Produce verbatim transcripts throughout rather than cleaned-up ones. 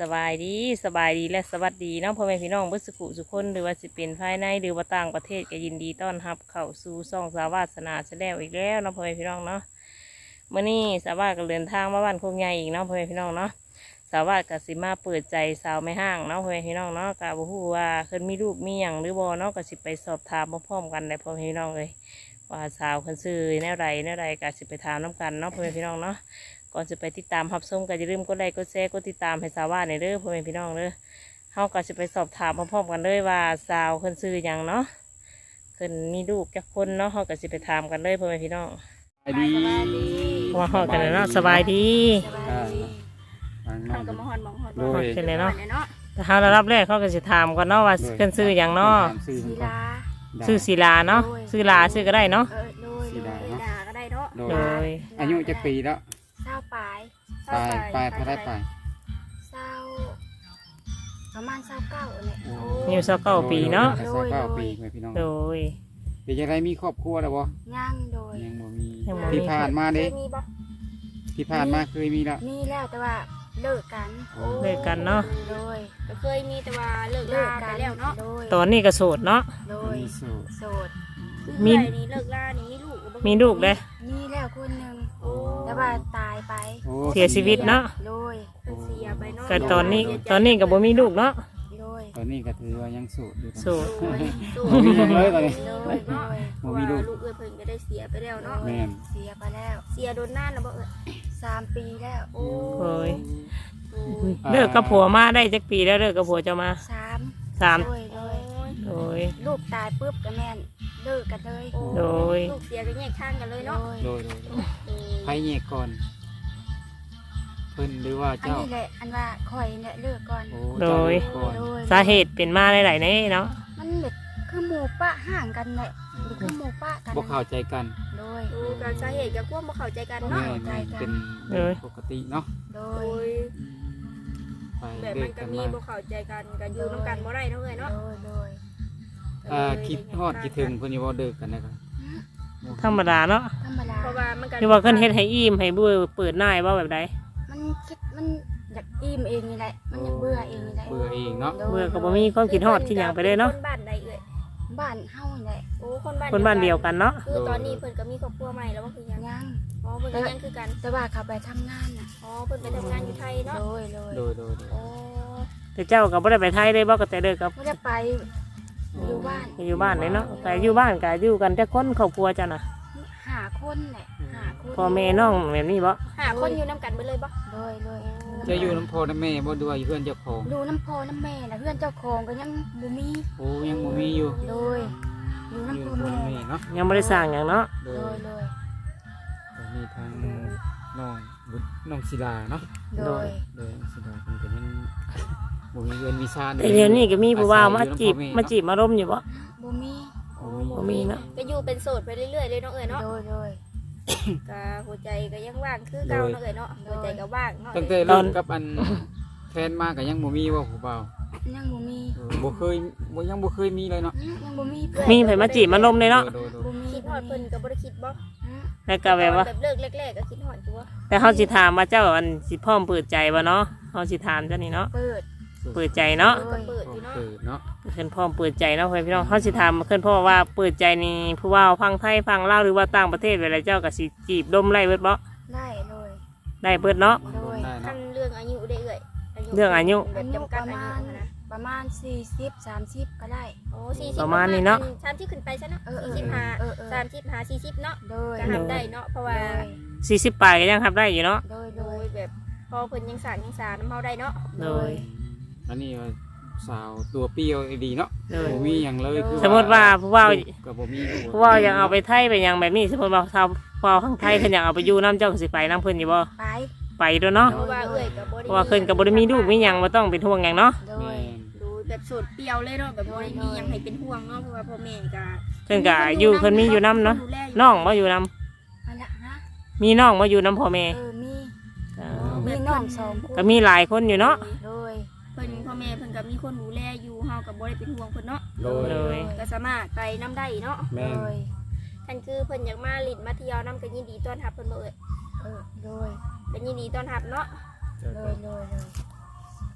บายดีสบายดีและสวัสดีน้องพ่อแม่พี่น้องบุษกุสุคนหรือว่าสิเป็นภายในหรือว่าต่างประเทศก็ยินดีต้อนรับเข้าสู่ช่องสาวาสนาแสดงอีกแล้วน้องพ่อแม่พี่น้องเนาะเมื่อนี้สาวาก็เดินทางมาบ้านโคกใหญ่อีกน้องพ่อแม่พี่น้องเนาะสาวาก็สิมาเปิดใจสาวไม่ห้างน้องพ่อแม่พี่น้องเนาะกะบ่ฮู้ว่าเพิ่นมีลูกมีหยังหรือบ่เนาะก็สิไปสอบถามพร้อมๆกันได้พ่อแม่พี่น้องเลยว่าสาวเพิ่นซื้อแนวใดแนวใดก็สิไปถามน้ำกันเนาะพ่อแม่พี่น้องเนาะก่อนจะไปติดตามรับชมก็อย่าลืมกดไลค์กดแชร์กดติดตามให้สาวว่าในเด้อพ่อแม่พี่น้องเด้อเฮาก็จะไปสอบถามพร้อมๆกันเลยว่าสาวเพิ่นซื้อหยังเนาะเพิ่นมีลูกจักคนเนาะเฮาก็สิไปถามกันเลยพ่อแม่พี่น้องสบายดีว่าเฮากันเนาะสบายดีอ่าทำกับมะฮอนมะฮอนโดยเป็นไงเนาะแต่เฮาระดับแรกเขาก็สิถามก่อนเนาะว่าเพิ่นซื้อหยังเนาะซื้อศิเพิ่นก่อลานซื้อศิลาเนาะซื้อลาซื้อก็ได้เนาะเออโดยโดยด่าก็ได้เนาะโดโดยยอายุจักปีแล้วเศร้าปลายปลายปลายเท่าไรปลายเศร้าประมาณเศร้าเก้าเนี่ยอายุสักเก้าปีเนาะโดยโดยเก้าปีแม่พี่น้องโดยเป็นจังไดมีครอบครัวแล้วบ่ย่างโดยยังบ่มียังบ่มีที่ผ่านมาเคเด้ยมีบ่ที่ผ่านมาเคยมีแล้วมีแล้วแต่ว่าเลิกกันเลิกกันเนาะโดยก็เคยมีแต่ว่าเลิกเลิลาก ไปกันแล้วเนาะโดยตอนนี้ก็โสดเนาะโดยมีสูตรโสดมีมีนี่เลิกลานี่มีลูกบ่มีลูกเด้มีแล้วคนหนึ่งโอ้แต่ว่าตายไปโอ้เสียชีวิตเนาะโดยเพิ่นเสียไปเนาะก็ตอนนี้ตอนนี้ก็บ่มีลูกเนาะโดยตอนนี้ก็ถือว่ายังโสูตรอยู่โสดโอ้ยสู้บ่มีหยังเลยตอนนี้โดยโดยเพราะว่าลูกเอ้ยเพิ่นก็ได้เสียไปแล้วเนาะแม่นเสียไปแล้วเสียโดนนานแล้วบ่เอ้ยสามปีแล้วโอ้โอ้ยโอ้ยเลิกกับผัวมาได้จักปีแล้วเลิกกับผัวจะมาสามสามโดยโดยโดยลูกตายปุ๊บก็แม่นเลิกกันเลยโอ้โดยลูกเสียก็แยกทางกันเลยโดเนาะยโดยโดยโดยเออไผแยกก่อนเพิ่นหรือว่าอันเจ้านี้แหละอันว่าคอยเนี่ยเลิกก่อนโอ้เจ้าเลิกก่อนโดยสาเหตุเป็นมาหลายๆในเนาะมันแบบคือหมู่ปะห่างกันแหละหรือคือหมู่ปะกันบ่เข้าใจกันโดยโอ้การสาเหตุก็ควบบ่เข้าใจกันแม่เนาะนแม่นเป็นเรื่องปกติเนาะโดโอ้ยยไปแบบเลิมันกก็กันมีมาบ่เข้าใจกันก็อยู่นํกันบ่ได้เนาะเอ้ยเนาะโดยโดยอ่าคิดฮอดคิดถึงเพิ่นอยู่บ่เลิกกันนะครับธรรมดาเนาะธรรมดาเพราะว่ามันก็คือว่าเพิ่นเฮ็ดให้อิ่มให้เบื่อเปิดหน้าว่าแบบใดมันคิดมันอยากอิ่มเองนี่แหละมันอยากเบื่อเองนี่แหละเบื่อเองเนาะโดยเบื่อก็บ่มีความคิดฮอดคิดหยังไปเลยเนาะคนบ้านใดเอ้ยบ้านเฮานี่แหละโอ้คนบ้านคนบ้านเดียวกันเนาะคือตอนนี้เพิ่นก็มีครอบครัวใหม่แล้วว่าคือยังยังอ๋อเพิ่นก็ยังคือกันแต่ว่าเขาไปทำงานน่ะอ๋อเพิ่นไปทำงานอยู่ไทยเนาะโดยโดยโดยโดยโดยอ๋อแต่เจ้าก็บ่ได้ไปไทยเลยบ่ก็แต่เลิกกับไม่ได้ไปอยู่บ้านอยู่บ้านเลยเนาะก็อยู่บ้านก็อยู่กันแต่คนครอบครัวจ้ะน่ะหาคนแหละหาคนพ่อแม่น้องแบบนี้บ่หาคนอยู่นํกันไปเลยบ่โดยโดยจะอยู่น้ำพ่อน้ำแม่บ่ด้วยอยู่เพื่อนเจ้าของดูน้ำพอน้ำแม่นะเพื่อนเจ้าของก็ยังบ่มีโอ้ยังบ่มีอยู่โดยดูอยู่น้ำพอน้ำพ่อแม่น้ำแม่เนาะยังบ่ได้สร้างหยังเนาะโดโดยยโดยก็มีทางน้องบุตรน้องศิลาเนาะโดยโดยศิลาเพิ่นก็ยังบ่มีเงินมีชาญแต่เดี๋ยวนี้ก็มีผู้ว่ามาจีบมาจีบมาร่มอยู่บ่บ่มีบ่มีเนาะก็อยู่เป็นโสดไปเรื่อยๆเลยเนาะเอ้ยเนาะโดยโดยก็หัวใจก็ยังว่างคือเก่าเนาะเอ้ยเนาะหัวใจก็ว่างเนาะตั้งแต่เริ่มกับอันแฟนมาก็ยังบ่มีว่าผู้บ่าวยังบ่มีเออบ่เคยบ่ยังบ่เคยมีเลยเนาะอืมยังบ่มีเพื่อนมีไผมาจีบมาร่มเลยเนาะโดยโดยบ่มีคิดฮอดเพิ่นก็บ่ได้คิดบ่อืมแล้วก็แบบว่าแบบเลิกแรกๆก็คิดฮอดอยู่ว่าแต่เฮาสิถามว่าเจ้าอันสิพร้อมเปิดใจบ่เนาะเฮาสิถามเจ้านี่เนาะเปิดเปิดใจเนาะก็เปิดอยู่เนาะเปิดเนาะเพิ่นพร้อมเปิดใจเนาะเพื่อนพี่น้องเฮาสิถามเพิ่นพ่อว่าเปิดใจนี่ผู้ว่าฟังไทยฟังลาวหรือว่าต่างประเทศเวลาเจ้าก็สิจีบดมไล่เบิดบ่ได้เลยได้เบิดเนาะโดยได้คัเนาะนเรื่องอายุได้เอ้ยเรื่องอายุแบอาบยุจำกัปดระอามายุณนะประมาณสี่สิบ สามสิบก็ได้โอ้สี่สิบประมาณนี้เนาะสามสิบขึ้นไปซะเนาะเออเออสี่สิบห้าเออเออสามสิบห้าสี่สิบเนาะโดยก็ทำได้เนาะเพราะว่าสี่สิบปลายก็ยังทำได้อยู่เนาะโดยโดโดยยแบบพอเพิ่นยังสานยังสานน้ำเฮาได้เนาะโดยอันนี้ว่าสาวตัวเปรี้ยวดีเนาะโดยบ่มีหยังเลยคือสมมติว่าผู้ว่าก็บ่มีลูกผู้ว่ายังเอาไปไทยไปยังแบบนี้สมมติว่าชาวผู้ว่าข้างไทยเพิ่นอยากเอาไปอยู่น้ำเจ้าก็สิไปน้ำเพิ่นอยู่บ่ไปไปด้วยเนาะเพราะว่าเอ้ยก็บ่เพได้ราะว่าเพิ่นก็บ่ได้มีลูกมีหยังบ่ต้องเป็นห่วงหยังเนาะโดแม่ยนดูแบบโสดเปรียวเลยเนาะแบบบ่ได้มีหยังให้เป็นห่วงเนาะเพราะว่าพ่อแม่ก็เพิ่นก็อยู่เพิ่นมีอยู่น้ำเนาะน้องบ่อยู่น้อันละฮะำมีน้องบ่อยู่น้ำพ่อแม่เออมีเออมีน้องสองคนก็มีหลายคนอยู่เนาะโดยเพิ่นพ่อแม่เพิ่นก็มีคนดูแลอยู่เฮาก็บ่ได้เป็นห่วงเพิ่นเนาะโดยโดยก็สามารถไปน้ำได้เนาะแม่โดนยท่านคือเพิ่นอยากมาลิ้นมาเที่ยวน้ำก็ยินดีต้อนรับเพิ่นบ่เอ่ยเออโดยก็ยินดีต้อนรับเนาะโดยโดยโดยอืม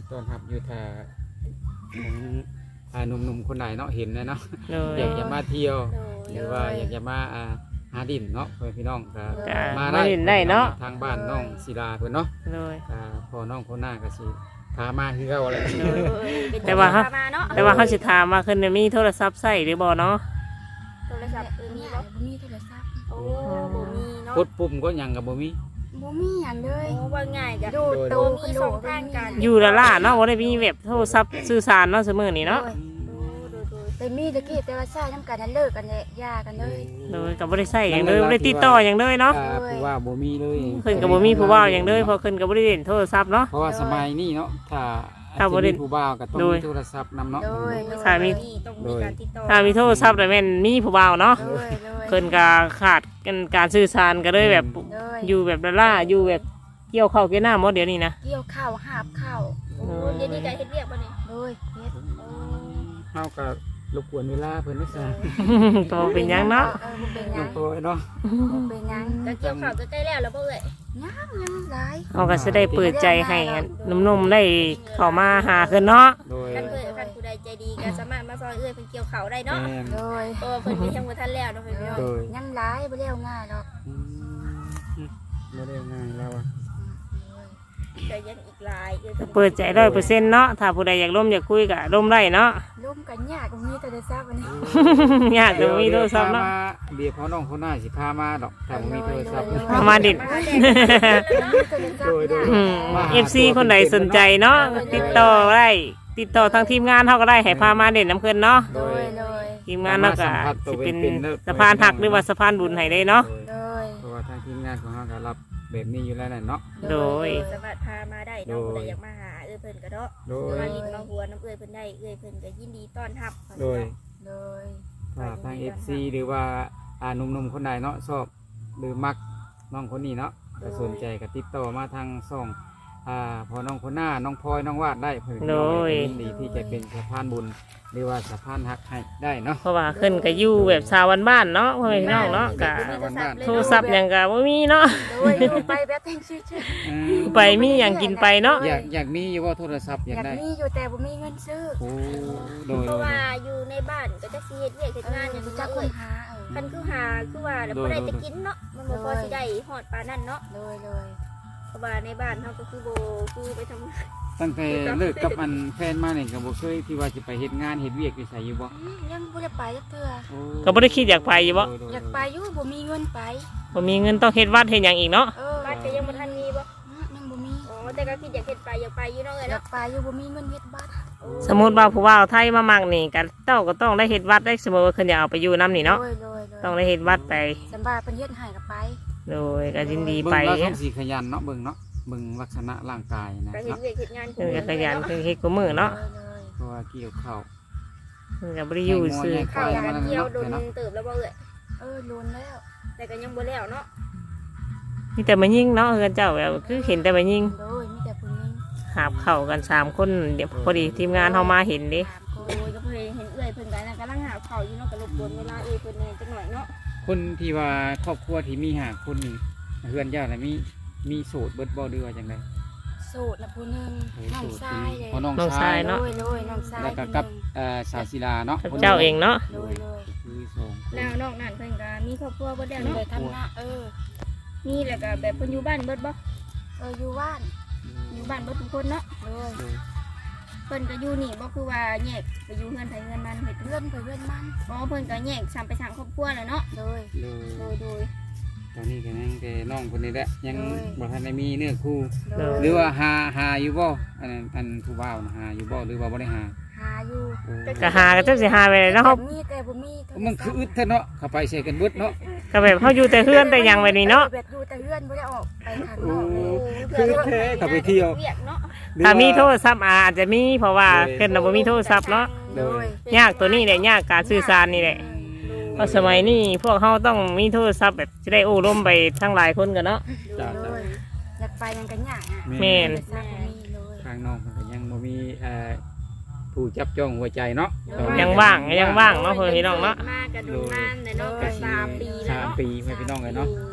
ต้อนรับอยู่ถ้าของอ่าหนุ่มๆคนไหนเนาะเห็นนะเนาะโดยอยากจะมาเที่ยวโดยหรือว่าอยากจะมาอ่าหาดินเนาะเพื่อนพี่น้องก็ก็มามาเล่นได้เนาะทางบ้านน้องศิลาเพิ่นเนาะโดยอ่าพ่อน้องคนหน้าก็สิพามาคือเก่าแหละแต่ว่าฮะพมาเนาะแต่ว่าเขาสิถามว่าเพิ่นน่ะมีโทรศัพท์ใช้หรือบ่เนาะโทรศัพท์เออมีมีบ่บ่มีโทรศัพท์โอ้บ่มีเนาะกดปุ่มก็ยังก็บ่มีบ่มีหยังเลยโอ้ว่าง่ายจ้ะโดดโตมีสองทางการอยู่ละล่าเนาะบ่ได้มีแบบโทรศัพท์สื่อสารเนาะซุมื้อนี้เนาะโอ้โดยโดยแต่มีตะกี้แต่ว่าใช้น้ำกันนั้นเลิกกันแล้วหย่ากันเลยโดยก็บ่ได้ใช้หยังเลยบ่ได้ติดต่อหยังเลยเนาะอ่าผู้ว่าบ่มีเลยเพิ่นก็บ่มีผู้เว้าหยังเลยเพราะเพิ่นก็บ่ได้เล่นโทรศัพท์เนาะเพราะว่าสมัยนี้เนาะถ้าถ้าบ่ได้สิมีผู้บ่าวก็ต้องโดยมีโทรศัพท์นำเนาะโดยถ้ามีต้องมีการติดต่อถ้ามีโทรศัพท์แต่แม่นมีผู้เว้าเนาะโดยโดยเพิ่นก็ขาดกันการสื่อสารก็เลยแบบโดยอยู่แบบละล่าอยู่แบบเกี่ยวข้าวเกี่ยวน้ำหมดเดี๋ยวนี้นะเกี่ยวข้าวหาบข้าวโอ้เดี๋ยวนี้ก็เฮ็ดเวียกบ่นี่โดยเฮ็ดโอ้เฮาก็รบกวนเวลาเพิ่นด้วยซะก็บ่เป็นหยังเนาะเออบ่เป็นหน้ยัองงโตเนาะบ่เป็นหยังก็เกี่ยวข้าวก็ใกล้แล้วแล้วบ่เอ่ยยังยังหลายเขาก็จะได้เปิดใจให้หนุ่มๆได้เข้ามาหาขึ้นเนาะโดยคันเพิ่นคันผู้ใดใจดีก็สามารถมาซอยเอื้อยเพิ่นเกี่ยวข้าวได้เนาะแม่นโดยเพราะว่าเพิ่นมีทั้งบ่ทันแล้วเนาะเพิ่นพี่น้องโดยยังหลายบ่แล้วง่ายหรอกอืมบ่ได้ง่ายแล้วอ่ะก็ยังอีกหลายเอื้อยพิ่นเปิดใจร้อยเปอร์เซ็นต์เนาะถ้าผู้ใดอยากร่วมอยากคุยก็ร่วมได้เนาะร่วมกันยากตรงนี้โทรศัพท์อันนี้ยากจะมีโทรศัพท์เนาะเดี๋ยวพ่อน้องคนหน้าสิพามาดอกแต่บ่มีโทรศัพท์เอามาดิมาแดงโดยโดยอืม เอฟ ซี คนใดสนใจเนาะติดต่อได้ติดต่อทางทีมงานเขาก็ได้ให้พามาเด่นน้ำเพิ่นเนาะโดยโดยทีมงานเนาะก็สิเป็นสะพานหักหรือว่าสะพานบุญให้ได้เนาะโดยเพราะว่าทางทีมงานของเราก็รับแบบนี้อยู่แล้วน่ะเนาะโดยสามารถพามาได้เนาะผู้ใดอยากมาหาเอื้อยเพิ่นก็เนาะโดหรือย มาลิ้นมาหัวน้ำเอื้อยเพิ่นได้เอื้อยเพิ่นก็ยินดีต้อนรับโดยโดยถ้าทาง เอฟ ซี หรือว่าอ่าหนุ่มๆคนใดเนาะชอบหรือมักน้องคนนี้เนาะก็สนใจก็ติดต่อมาทางช่องอ่าพอน้องคนหน้าน้องพลอยน้องวาดได้เพิ่นโดยยินดีที่จะเป็นสะพานบุญหรือว่าสะพานหักให้ได้เนาะเพราะว่าขึ้นก็อยู่แบบชาวบ้านๆเนาะพ่อแม่พี่น้องเนาะก็โทรศัพท์หยังก็บ่มีเนาะโดยอยู่ไปแบบแทงชื่ออืมไปมีหยังกินไปเนาะอยากอยากมีอยู่ว่าโทรศัพท์อๆอยาก กายได้มีอยู่แต่บ่มีเงินซื้อโอ้โดยเพโดราะยว่าอยู่ในบ้านก็จะสิเฮ็ดเวียกเฮ็ดานเอองออย่างรู้นี้จักคเอ้นยหาเออคันคือหาคือว่าแล้วบ่ได้จะกินเนาะมันบ่พอสิได้ฮอดปานนั้นเนาะโดยโดยเพราะว่าในบ้านเฮาก็คือบ่คือไปทำงานตั้งแต่เลิกกับอันแฟนมาเนี่ยก็บ่เคยที่ว่าจะไปเฮ็ดงานเฮ็ดเวียกอยู่ไสอยู่บ่อืมยังบ่ได้ไปจักเทื่อโอ้ก็บ่ได้คิดอยากไปอยู่บ่โดอยากไปอยู่บ่มีเงินไปบ่มีเงินต้องเฮ็ดวัดเฮ็ดหยังอีกเนาะเออบ้านก็ยังบ่ทันมีบ่อืมยังบ่มีอ๋อแต่ก็คิดอยากเฮ็ดไปอยากไปอยู่เนาะเอ้ยอยาเนาะกไปอยู่บ่มีเงินเฮ็ดบัตรสมมุติว่าผู้ว่าไทยมามักนี่ก็เจ้าก็ต้องได้เฮ็ดวัดได้เสมอว่าเพิ่นอยากเอาไปอยู่นํนี่เนาะโดยโดยโดยต้องได้เฮ็ดวัดไปสำบายเพิ่นเฮ็ดให้ก็ไปโดยก็ยินดีเบิ่ไปงแล้วต้องสิขยันเนาะเบิ่งเนาะเบิ่งลักษณะร่างกายนะก็เฮ็ดเนาะเวียกเฮ็ดงานเพิ่นก็ขยันเพิ่นเฮ็ดกูมือเนาะโดยโดยเพราะว่าเกี่ยวข้าวเพิ่นก็บ่ได้อยู่ซื่อข้าวการเกี่ยวโดนเติบแล้วบ่เอ้ยเออโดนแล้วแต่ก็ยังบ่แล้วเนาะมีแต่มายิงเนาะเฮือนเจ้าแบบคือเห็นแต่มายิงโดยมีแต่ผู้หญิงหาบเข้ากันสามคนเดี๋ยวพอดีทีมงานเฮามาเห็นเด้สามคโอ้นยก็เพิ่นเห็นเอื้อยเพิ่นก็นั่นกำลังหาข้าวอยู่เนาะก็รบกวนเวลาเอื้อยเพิ่นแหน่จักหน่อยเนาะคนที่ว่าครอบครัวที่มีหาคนนี่เฮือนเจ้าน่ะมีมีโสดเบิดบ่หรือว่าจังได๋โสดนะผู้หนึงน้องชายเลยเพราะน้องน้องชาชาย ยเนาะโดยโดยน้องชายแล้วก็กับเอ่อสาวศิลาเนาะกับเจ้าเองเนาะโดยโดยคือสองคนแล้วนอกนั้นเพิ่นก็มีครอบครัวเบิดแล้วเลเนาะยทำหน้าเออมีแล้วก็แบบเพิ่นอยู่บ้านเบิดบ่เอออยู่บ้านอยู่บ้านเบิดทุกคนเนาะโดยโดยเพิ่นก็อยู่นี่บ่คือว่าแยกไปอยู่เฮือนไผเฮือนมันเฮ็ดเพื่อนไปเพื่อนมันอ๋อเพิ่นก็แยกสามไปสร้างครอบครัวแล้วเนาะโดยโดยโดยโดยตอนนี้ก็ยังแต่น้องคนนี้แหละยังโดยบ่ทันได้มีเนื้อคู่โดยหรือว่าหาหาอยู่บ่อันนั้นอันผู้บ่าวน่ะหาอยู่บ่หรือว่าบ่ได้หาหาอยู่โอ้ก็หาก็จักสิหาไปเลยเนาะแต่มีแต่บ่มีโทรศัพท์มันคืออึดแท้เนาะเข้าไปใส่กันเบิดเนาะก็แบบเฮาอยู่แต่เฮือนแต่หยังไว้นี่เนาะแบบอยู่แต่เพื่อนบ่ได้ออกไปข้างนโอ้อกเลยคือแท้เข้าไปเที่ยวเวียกเนาะถ้ามีโทรศัพท์อาจจะมีเพราะว่าเพิ่นน่ะบ่มีโทรศัพท์เนาะโดยยากตัวนี้แหละยากการสื่อสารนี่แหละเพราะสมัยนี้พวกเฮาต้องมีโทรศัพท์แบบจะได้โอ้ร่มไปทั้งหลายคนกันเนาะจ้าโดจ้ายอยากไปยังกันยากอ่ะแม่นโทรศัพท์บ่มีเลยทางน้องมันก็ยังบ่มีเอ่อผู้จับจ้องหัวใจเนาะยังว่างยังว่างเนาะเพื่อนพี่น้องเนาะมากกระดูกงานเลยเนาะก็สามปีแล้วสามเนาะปีให้พี่น้องเลยเนาะ ก็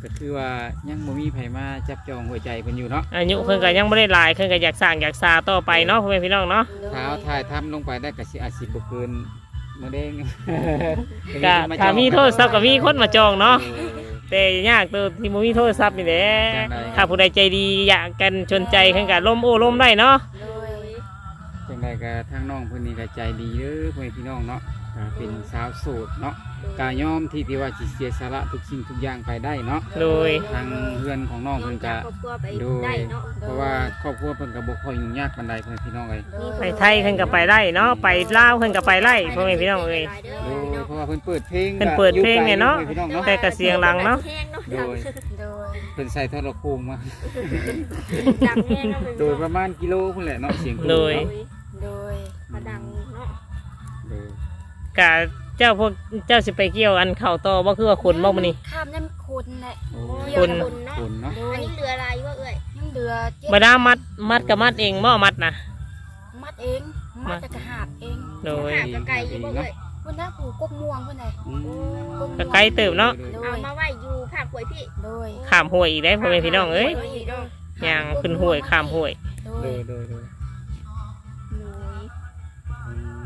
ก็คือว่ายังบ่มีไผมาจับจองหัวใจเพิ่นอยู่เนาะอายุเพิ่นก็ยังไม่ได้หลายเพิ่นก็อยากสร้างอยากซาต่อไปเนาะพ่อแม่พี่น้องเนาะถ้าเอาถ่ายทำลงไปได้ก็สิอาจสิบ่เกินมื้อเด้งก็ถ้ามีโทรศัพท์ก็มีคนมาจองเนาะแต่ยากตัวที่บ่มีโทรศัพท์นี่แหละถ้าผู้ใดใจดีอยากกันชนใจเพิ่นก็ล้มโอ้ล้มได้เนาะโดยจังไดก็ทางน้องเพิ่นนี่ก็ใจดีเด้อพ่อแม่พี่น้องเนาะก็เป็นสาวโสดเนาะกายอมที่ที่ว่าสิเสียสละทุกสิ่งทุกอย่างไปได้เนาะโดยทางเพื่อนของน้องน้อเพิ่งนจาก็กครอบครัวไปโดยได้เนาะเพราะว่าครอบครัวเพิ่นก็บ่ค่อยยุ่งยากปานใดพ่อแม่พี่น้องเอ้ยโดยไปไทยเพิ่นก็ไปได้เนาะไปลาวเพิ่นก็ไปไล่พ่อแม่พี่น้องเอ้ยโดยเพราะว่าเพิ่นเปิดเพลงเพิ่นเปิดเพลงเนี่ยเนาะอยู่ไกลอยู่พ่อแม่พี่น้องเนาะแต่ก็เสียงดังเนาะโดยโดยเพิ่นใส่โทรโข่งมาดังแห้งเนาะโดยประมาณกิโลพุ่นแหละเนาะเสียงโดยโดยมาดังเนาะโดยกะเจ้าพวกเจ้าสิไปเกี่ยวอันเข่าต่อบ่คือว่าขนบ่มื้อนี้ข้ามน้ำคนแหละโอ้คนเนาะคนเนาะโดอัยนนี้เรืออะไรวะเอ้ยยังเหลือเจ็ดบ่ได้มัดมัดก็มัดเองบ่มัดนะมัดเองมัดแต่กระหาบเองโดยหาบกับไก่อยู่บ่เอ้ยเพื่อนนะผูกกบม่วงเพื่อนไหนอืมก็ไกลเติบเนาะโดเอายมาไว้อยู่ภาคกล้วยพี่โดยข้ามห้วยอีกได้พ่อแม่พี่น้องเอ้ยโดยเนาะย่างขึ้นห้วยข้ามห้วยโดโดยยโดยโดยโดยอืม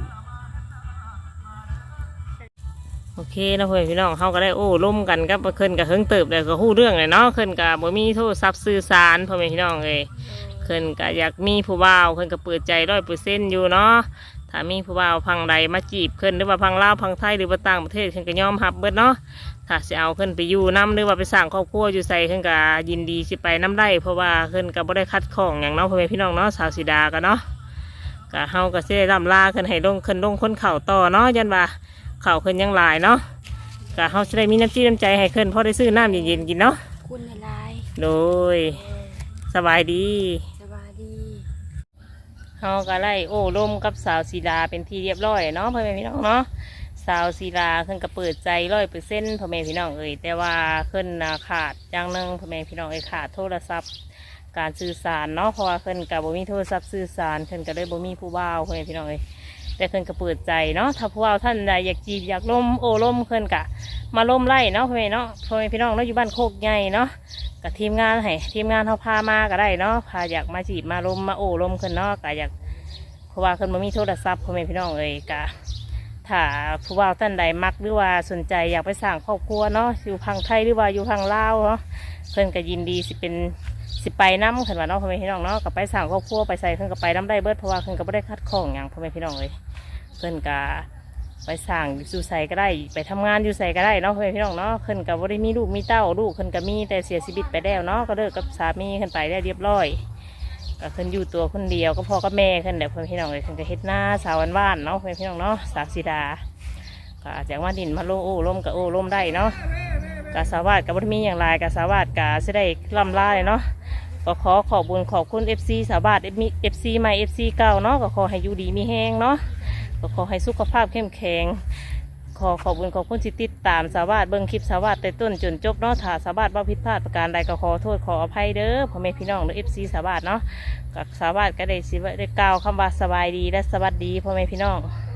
โอเคนะพ่อแม่พี่น้องเฮาก็ได้โอ้ร่วมกันกับเพิ่นก็เฮิงเติบแล้วก็ฮู้เรื่องเลยเนาะเพิ่นก็บ่มีโทรศัพท์สื่อสารพ่อแม่พี่น้องเอ้ยเพิ่นก็อยากมีผู้บ่าวเพิ่นก็เปิดใจ ร้อยเปอร์เซ็นต์ อยู่เนาะถ้ามีผู้บ่าวพังใดมาจีบเพิ่นหรือว่าพังลาวพังไทยหรือว่าต่างประเทศเพิ่นก็ยอมรับเบิดเนาะถ้าสิเอาเพิ่นไปอยู่นํหรือว่าไปสร้างครอบครัวอยู่ไสเพิ่นก็ยินดีสิไปนํได้เพราะว่าเพิ่นก็บ่ได้คัดข้องหยังเนาะพ่อแม่พี่น้องเนาะสาวสีดาก็เนาะก็เฮาก็สิได้ร่ำลาเพิ่นให้ลงเพิ่นลงคนเข่าต่อเนาะยันว่าเข่าเพิ่นยังหลายเนาะก็เฮาสิได้มีน้ำจิตน้ำใจให้เพิ่นพอได้ซื้อน้ำเย็นๆกินเนาะคุณในลายโดยสบายดีสบายดีเฮาก็ไล่โอ้ร่มกับสาวสีดาเป็นที่เรียบร้อยเนาะพ่อแม่พี่น้องเนาะสาวสีดาเพิ่นก็เปิดใจร้อยเปอร์เซ็นต์พ่อแม่พี่น้องเอ่ยแต่ว่าเพิ่นน่ะขาดอย่างหนึงพ่อแม่พี่น้องเอ่ยขาดโทรศัพท์การสื่อสารเนาะเพราะว่าเพิ่นก็บ่มีโทรศัพท์สื่อสารเพิ่นก็เลยบ่มีผู้บ่าวพ่อแม่พี่น้องเอ่ยแต่เพิ่นก็เปิดใจเนาะถ้าผู้บ่าวท่านใดอยากจีบอยากล่มโอ้ล่มเพิ่นก็มาล่มไล่เนาะพ่อแม่เนาะพ่อแม่พี่น้องเนาะอยู่บ้านโคกใหญ่เนาะกับทีมงานให้ทีมงานเขาพามาก็ได้เนาะพาอยากมาจีบมาล่มมาโอ้ล่มเพิ่นเนาะก็อยากเพราะว่าเพิ่นบ่มีโทรศัพท์พ่อแม่พี่น้องเอ่ยก็ถ้าผู้บ่าวท่านใดมักหรือว่าสนใจอยากไปสร้างครอบครัวเนาะอยู่พังไทยหรือว่าอยู่พังลาวเนาะเพิ่นก็ยินดีสิเป็นสิไปน้ำขึ้นว่าเนาะพ่อแม่พี่น้องเนาะก็ไปสร้างครอบครัวไปใส่เพิ่นก็ไปน้ำได้เบิดเพราะว่าเพิ่นก็บ่ได้คัดข้องหยังพ่อแม่พี่น้องเลยเพิ่นก็ไปสร้างอยู่ใส่ก็ได้ไปทำงานอยู่ใส่ก็ได้เนาะพ่อแม่พี่น้องเนาะเพิ่นก็บ่ได้มีลูกมีเต้าลูกเพิ่นก็มีแต่เสียชีวิตไปแล้วเนาะก็เลิกกับสามีเพิ่นไปได้เรียบร้อยก็เพิ่นอยู่ตัวคนเดียวก็พ่อกับแม่เพิ่นแหละพ่อแม่พี่น้องเลยเพิ่นก็เฮ็ดหน้าสาวบ้านๆเนาะพ่อแม่พี่น้องเนาะสาวสีดาก็จากว่าดินมาโลโอ้ล่มกับโอ้ล่มได้เนาะกาสาวาดกับบ่ได้มีอย่างไรกาสาวาดกาสิได้ล่ำลาเลยเนาะก็ขอขอบคุญขอบคุณ เอฟ ซี สาวาด เอฟ ซี ใหม่ เอฟ ซี เก่าเนาะก็ขอให้อยู่ดีมีแห้งเนาะก็ขอให้สุขภาพเข้มแข็งขอขอบคุญขอบคุณที่ติดตามสาวาดเบิ่งคลิปสาวาดแต่ต้นจนจบเนาะถ้าสาวาดว่าผิดพลาดประการใดก็ขอโทษขออภัยเด้อพ่อแม่พี่น้องหรือ เอฟ ซี สาวาดเนาะกับสาวาดก็ได้สิได้กล่าวคำว่าสบายดีและสวัสดีพ่อแม่พี่น้อง